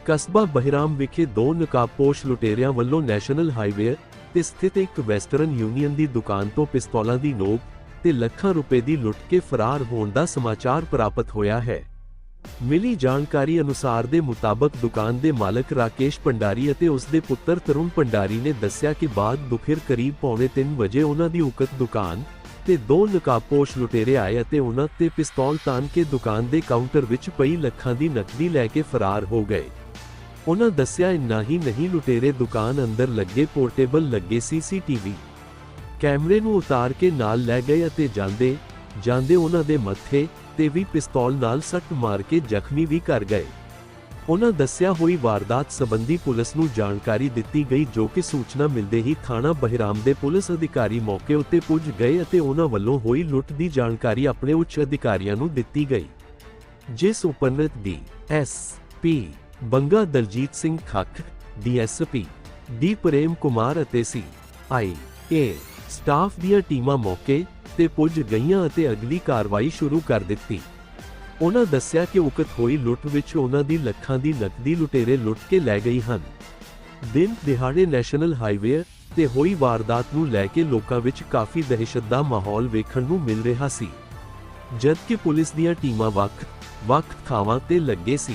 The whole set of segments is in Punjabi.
ਕਸਬਾ ਬਹਿਰਾਮ ਵਿਖੇ ਦੋ ਨਕਾਬਪੋਸ਼ ਲੁਟੇਰਿਆਂ ਵੱਲੋਂ ਨੈਸ਼ਨਲ ਹਾਈਵੇ ਤੇ ਸਥਿਤ ਇੱਕ ਵੈਸਟਰਨ ਯੂਨੀਅਨ ਦੀ ਦੁਕਾਨ ਤੋਂ ਪਿਸਤੌਲਾਂ ਦੀ ਨੋਕ ਤੇ ਲੱਖਾਂ ਰੁਪਏ ਦੀ ਲੁੱਟ ਕੇ ਫਰਾਰ ਹੋਣ ਦਾ ਸਮਾਚਾਰ ਪ੍ਰਾਪਤ ਹੋਇਆ ਹੈ। ਮਿਲੀ ਜਾਣਕਾਰੀ ਅਨੁਸਾਰ ਦੇ ਮੁਤਾਬਕ ਦੁਕਾਨ ਦੇ ਮਾਲਕ ਰਾਕੇਸ਼ ਭੰਡਾਰੀ ਅਤੇ ਉਸ ਦੇ ਪੁੱਤਰ ਤਰੁਣ ਭੰਡਾਰੀ ਨੇ ਦੱਸਿਆ ਕਿ ਬਾਅਦ ਦੁਪਹਿਰ ਕਰੀਬ 2:45 ਵਜੇ ਉਹਨਾਂ ਦੀ ਉਕਤ ਦੁਕਾਨ ਤੇ ਦੋ ਨਕਾਬਪੋਸ਼ ਲੁਟੇਰੇ ਆਏ ਅਤੇ ਉਹਨਾਂ ਤੇ ਪਿਸਤੌਲ ਤਾਣ ਕੇ ਦੁਕਾਨ ਦੇ ਕਾਊਂਟਰ ਵਿੱਚ ਪਈ ਲੱਖਾਂ ਦੀ ਨਕਦੀ ਲੈ ਕੇ ਫਰਾਰ ਹੋ ਗਏ। ਉਹਨਾਂ ਦੱਸਿਆ ਇੰਨਾ ਹੀ ਨਹੀਂ, ਲੁਟੇਰੇ ਦੁਕਾਨ ਅੰਦਰ ਲੱਗੇ ਪੋਰਟੇਬਲ ਲੱਗੇ ਸੀਸੀਟੀਵੀ ਕੈਮਰੇ ਨੂੰ ਉਤਾਰ ਕੇ ਨਾਲ ਲੈ ਗਏ ਅਤੇ ਜਾਂਦੇ ਉਹਨਾਂ ਦੇ ਮੱਥੇ ਤੇ ਵੀ ਪਿਸਤੌਲ ਨਾਲ ਸੱਟ ਮਾਰ ਕੇ ਜ਼ਖਮੀ ਵੀ ਕਰ ਗਏ। ਉਹਨਾਂ ਦੱਸਿਆ ਹੋਈ ਵਾਰਦਾਤ ਸੰਬੰਧੀ ਪੁਲਿਸ ਨੂੰ ਜਾਣਕਾਰੀ ਦਿੱਤੀ ਗਈ, ਜੋ ਕਿ ਸੂਚਨਾ ਮਿਲਦੇ ਹੀ ਥਾਣਾ ਬਹਿਰਾਮ ਦੇ ਪੁਲਿਸ ਅਧਿਕਾਰੀ ਮੌਕੇ ਉੱਤੇ ਪੁੱਜ ਗਏ ਅਤੇ ਉਹਨਾਂ ਵੱਲੋਂ ਹੋਈ ਲੁੱਟ ਦੀ ਜਾਣਕਾਰੀ ਆਪਣੇ ਉੱਚ ਅਧਿਕਾਰੀਆਂ ਨੂੰ ਦਿੱਤੀ ਗਈ, ਜਿਸ ਉਪਰੰਤ DSP. Banga Daljit Singh Khakh, DSP. D. Prem Kumar ਅਤੇ ਸੀ.ਆਈ.ਏ. ਸਟਾਫ ਦੀਆਂ ਟੀਮਾਂ ਮੌਕੇ ਤੇ ਪੁੱਜ ਗਈਆਂ ਅਤੇ ਅਗਲੀ ਕਾਰਵਾਈ ਸ਼ੁਰੂ ਕਰ ਦਿੱਤੀ। ਉਹਨਾਂ ਦੱਸਿਆ ਕਿ ਉਕਤ ਹੋਈ ਲੁੱਟ ਵਿੱਚ ਉਹਨਾਂ ਦੀ ਲੱਖਾਂ ਦੀ ਨਕਦੀ ਲੁਟੇਰੇ ਲੁੱਟ ਕੇ ਲੈ ਗਏ ਹਨ। ਦਿਨ ਦਿਹਾੜੇ ਨੈਸ਼ਨਲ ਹਾਈਵੇ ਤੇ ਹੋਈ ਵਾਰਦਾਤ ਨੂੰ ਲੈ ਕੇ ਲੋਕਾਂ ਵਿੱਚ ਕਾਫੀ ਦਹਿਸ਼ਤ ਦਾ ਮਾਹੌਲ ਵੇਖਣ ਨੂੰ ਮਿਲ ਰਿਹਾ ਸੀ, ਜਦਕਿ ਪੁਲਿਸ ਦੀਆਂ ਟੀਮਾਂ ਵੱਖ ਥਾਵਾਂ ਤੇ ਲੱਗੇ ਸੀ।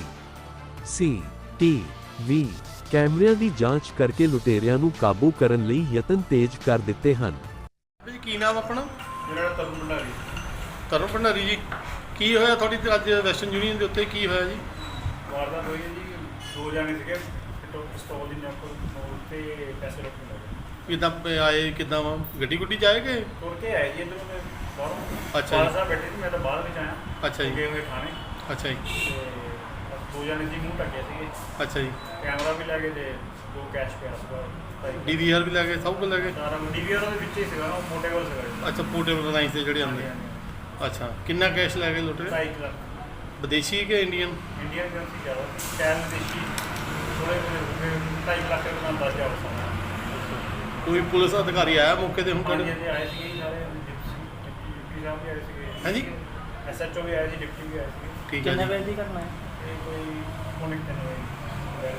ਸੀ.ਟੀ.ਵੀ. ਕੈਮਰਿਆਂ ਦੀ ਜਾਂਚ ਕਰਕੇ ਲੁਟੇਰਿਆਂ ਨੂੰ ਕਾਬੂ ਕਰਨ ਲਈ ਯਤਨ ਤੇਜ਼ ਕਰ ਦਿੱਤੇ ਹਨ। ਜੀ ਕੀ ਨਾਮ ਆਪਣਾ? ਮੇਰਾ ਤਰੁਣ ਭੰਡਾਰੀ। ਤਰੁਣ ਭੰਡਾਰੀ ਜੀ, ਕੀ ਹੋਇਆ ਤੁਹਾਡੀ ਤੇ ਅੱਜ ਵੈਸਟਰਨ ਯੂਨੀਅਨ ਦੇ ਉੱਤੇ ਕੀ ਹੋਇਆ ਜੀ? ਵਾਰਦਾਤ ਹੋਈ ਹੈ ਜੀ, ਦੋ ਜਾਣੇ ਸੀਗੇ ਪਿਸਤੌਲ ਦੀ ਨੋਕ ਤੇ ਪੈਸੇ ਰੱਖਣ ਲੱਗੇ। ਕਿੱਦਾਂ ਆਏ, ਕਿੱਦਾਂ ਵਾ ਗੱਡੀ ਗੁੱਡੀ ਜਾਏਗੇ? ਤੁਰ ਕੇ ਆਏ ਜੀ ਇੱਧਰੋਂ ਮੈਂ ਬਾਹਰੋਂ। ਅੱਛਾ ਜੀ। ਸਾਹਿਬ ਬੈਠੇ ਸੀ, ਮੈਂ ਤਾਂ ਬਾਹਰ ਵਿੱਚ ਆਇਆ। ਅੱਛਾ ਜੀ। ਗਏ ਹੋਏ ਥਾਣੇ। ਅੱਛਾ ਜੀ। ਤੇ ਦੋ ਜਾਣੇ ਸੀ, ਮੂੰਹ ਢੱਕੇ ਸੀਗੇ। ਅੱਛਾ ਜੀ। ਕੈਮਰਾ ਵੀ ਲੈ ਗਏ ਤੇ ਦੋ ਕੈਸ਼ ਪਿਆ ਸੀਗਾ। ਡੀਵੀਆਰ ਵੀ ਲੈ ਗਏ, ਸਭ ਕੁਝ ਲੈ ਗਏ? ਸਾਰਾ ਡੀਵੀਆਰ ਦੇ ਵਿੱਚ ਹੀ ਸੀਗਾ, ਉਹ ਮੋਟੇ ਕੋਲ ਸੀਗਾ। ਅੱਛਾ, ਪੋਰਟੇਬਲ ਲਾਈਨ ਤੇ ਜਿਹੜੇ ਆਉਂਦੇ। ਅੱਛਾ, ਕਿੰਨਾ ਕੈਸ਼ ਲੈ ਗਏ ਲੁਟੇਰੇ? 2.5 ਲੱਖ। ਵਿਦੇਸ਼ੀ ਕਿ ਇੰਡੀਅਨ? ਇੰਡੀਅਨ ਕਰੰਸੀ ਜ਼ਿਆਦਾ ਕੈਸ਼ ਵਿਦੇਸ਼ੀ ਥੋੜੇ 2.5 ਲੱਖ ਦਾ ਅੰਦਾਜ਼ਾ ਹੋ ਸਕਦਾ। ਕੋਈ ਪੁਲਿਸ ਅਧਿਕਾਰੀ ਆਇਆ ਮੌਕੇ ਤੇ ਹੁਣ ਤੁਹਾਡੇ? ਹਾਂਜੀ, ਆਏ ਸੀਗੇ ਜੀ ਸਾਰੇ, ਡਿਪਟੀ ਸਾਹਿਬ ਵੀ ਆਏ ਸੀਗੇ। ਹਾਂਜੀ। ਐਸਐਚਓ ਵੀ ਆਏ ਸੀ, ਡਿਪਟੀ ਵੀ ਆਏ ਸੀਗੇ। ਠੀਕ ਹੈ ਜੀ। ਕਿੰਨੇ ਵਜੇ ਦੀ ਘਟਨਾ ਹੈ? ਇਹ ਕੋਈ ਪੌਣੇ 3 ਵਜੇ।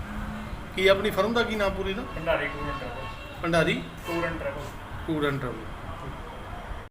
ਕੀ ਆਪਣੀ ਫਰਮ ਦਾ ਕੀ ਨਾਮ ਪੂਰੀ ਦਾ? Bhandari tour and travel. Bhandari tour and travel. Tour and travel.